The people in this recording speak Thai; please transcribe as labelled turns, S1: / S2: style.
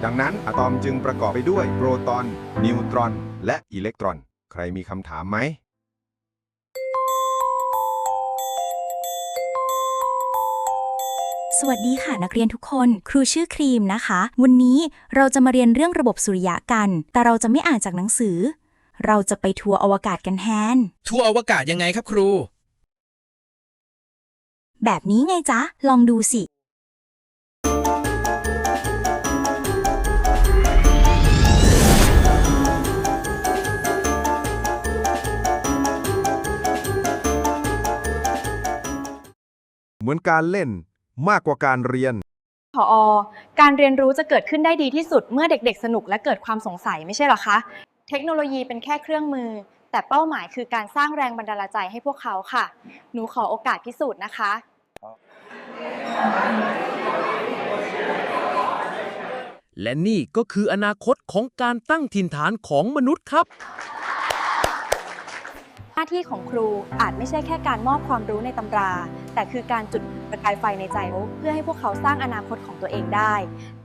S1: ดังนั้นอะตอมจึงประกอบไปด้วยโปรตอน นิวตรอน และอิเล็กตรอน ใครมีคำถามไหม
S2: สวัสดีค่ะนักเรียนทุกคนครูชื่อครีมนะคะ วันนี้เราจะมาเรียนเรื่องระบบสุริยะกัน แต่เราจะไม่อ่านจากหนังสือ เราจะไปทัวร์อวกาศกันแทน
S3: ทัวร์อวกาศยังไงครับครู
S2: แบบนี้ไงจ๊ะ ลองดูสิ
S1: เหมือนการเล่นมากกว่าการเรียน
S4: ผอ.การเรียนรู้จะเกิดขึ้นได้ดีที่สุดเมื่อเด็กๆสนุกและเกิดความสงสัยไม่ใช่หรอคะ เทคโนโลยีเป็นแค่เครื่องมือ แต่เป้าหมายคือการสร้างแรงบันดาลใจให้พวกเขาค่ะ หนูขอโอกาสพิสูจน์นะคะ
S5: และนี่ก็คืออนาคตของการตั้งถิ่นฐานของมนุษย์ครับ
S4: หน้าที่ของครูอาจไม่ใช่แค่การมอบความรู้ในตำรา แต่คือการจุดประกายไฟในใจเพื่อให้พวกเขาสร้างอนาคตของตัวเองได้